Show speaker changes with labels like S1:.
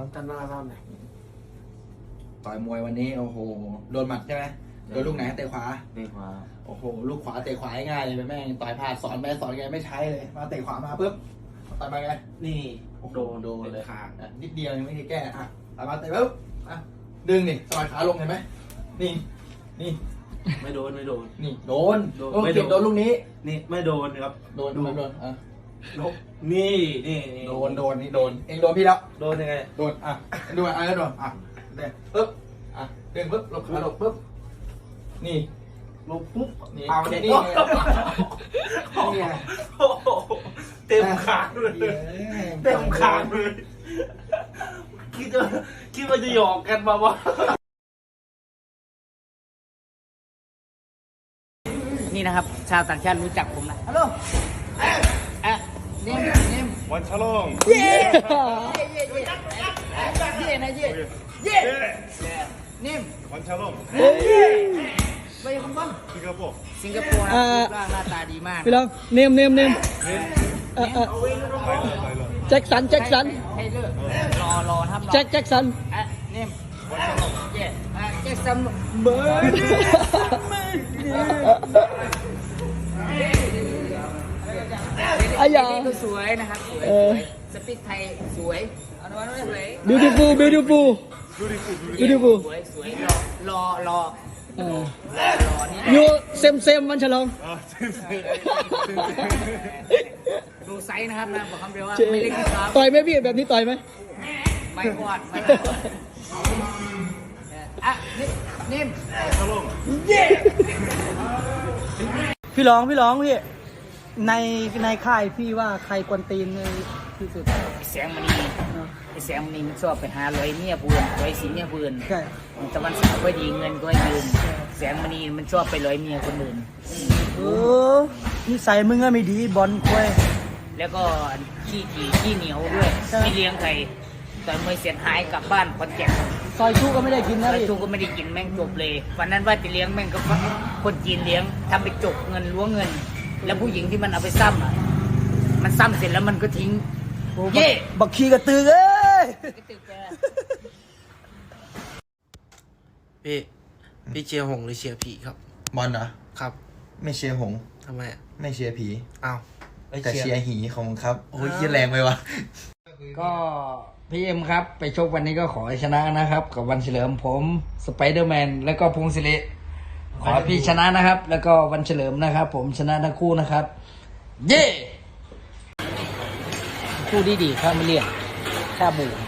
S1: กันว่าเราไหน
S2: ต่อยมวยวันนี้โอ้โหโดนหมัดใช่ไหมโดนลูกไหนเตะขวา
S3: เตะขวา
S2: โอ้โหลูกขวาเตะขวาง่ายเลยแม่งต่อยผ่านสอนไปสอนไงไม่ใช้เลยมาเตะขวามาปุ๊บต่อยมาไง
S1: นี่
S2: โดนเลย
S1: ขาด
S2: นิดเดียวยังไม่ได้แก้อ่ะต่อยมาเตะปุ๊บอ่ะดึงนี่สอยขาลงเห็นไหมนี่นี่
S1: ไม่โดนไม่โดน
S2: นี่โดน
S1: ไม่โดน
S2: โดนลูกนี้
S1: นี่ไม่โดนครับ
S2: โดนอ่ะ
S1: นี่นี่
S2: โดนนี่โดนเองโดนพี่แล้ว
S1: โดนยังไง
S2: โดนอ่ะดูอ่ะแล้วโดนอ่ะเด้ปุ๊บอ่ะดึงปุ๊บลงขาลงปุ๊บนี่
S1: ลงปุ๊บ
S2: นี่
S1: เอาเด็ก
S2: นี่
S1: นี่ไงเต็มขาเลยเต็มขาเลยคิดว่าจะหยอกกันมาวะ
S3: นี่นะครับ ชาวต่างชาติรู้จักผมนะฮัลโหลเนม
S4: วันฉลอง
S3: เย่นะเย่เนม
S4: วันฉลอง
S3: ไปคำบ้าง
S4: สิงคโปร์
S3: สิงคโปร์นะรูปร่างหน้าตาดีมาก
S5: พี่ลองเนมแจ็คสัน
S3: ให้เลิกรอครับ
S5: แจ็คสัน
S3: เนมเย่แจ็คสัน
S5: เบิร์ดอายา
S3: ก็สวยนะครับสวยสปีกไทยสวยเอาหน่อยสวย
S5: beautiful
S3: สวยรอนี่
S5: you same มันฉลอง
S3: ดูไซส์นะครับนะบอกคำเดียวว่าไม่เล็กนะครับ
S5: ต่อยไหมพี่แบบนี้ต่อยไหม
S3: ไม่กอดอ่ะนิ่ม
S5: พี่ร้องพี่ในค่ายพี่ว่าใครกวนตีนที่สุด
S3: แสงมณีไอ้แสงมณีมันชอบไปหาร้อยเมียปืนร้อยสีเมียปืน
S5: ใช่
S3: ตะวันสาวก็ดีเงินก็ให้ยืมแสงมณีมันชอบไปร้อยเมียคนอื่น
S5: นิสัยมึงก็ไม่ดีบอลควย
S3: แล้วก็ขี้เหนียวด้วยไม่เลี้ยงใครตอนมวยเสียหายกลับบ้านคอนแก่น
S5: ซอยชูก็ไม่ได้กินนะ
S3: แล้ว
S5: พี่
S3: ทูก็ไม่ได้กินแม่งจบเลยวันนั้นว่าจะเลี้ยงแม่งก็คนจีนเลี้ยงทำไปจกเงินล้วงเงิน แล้วผู้หญิงที่มันเอาไปซ้ำอ่ะมันซ้ำเสร็จแล้วมันก็ทิ้งเย่
S5: บักขี้กระตือเอ้ย
S1: พี่เชียร์หงหรือเชียร์ผีครับ
S2: บอลเหรอ
S1: ครับ
S2: ไม่เชียร์หง
S1: ทำไม
S2: ไม่เชียร์ผี
S1: อ้าว
S2: แต่เชียร์หีของมึงครับโอ้ยเยี่ยแรงไปวะ
S3: ก็พี่เอ็มครับไปชกวันนี้ก็ขอให้ชนะนะครับ กับวันเฉลิมผมสไปเดอร์แมนแล้วก็พงศิริขอให้พี่ชนะนะครับ แล้วก็วันเฉลิมนะครับ ผมชนะทั้งคู่นะครับ เย่คู่ดีครับไม่เรียกแค่บู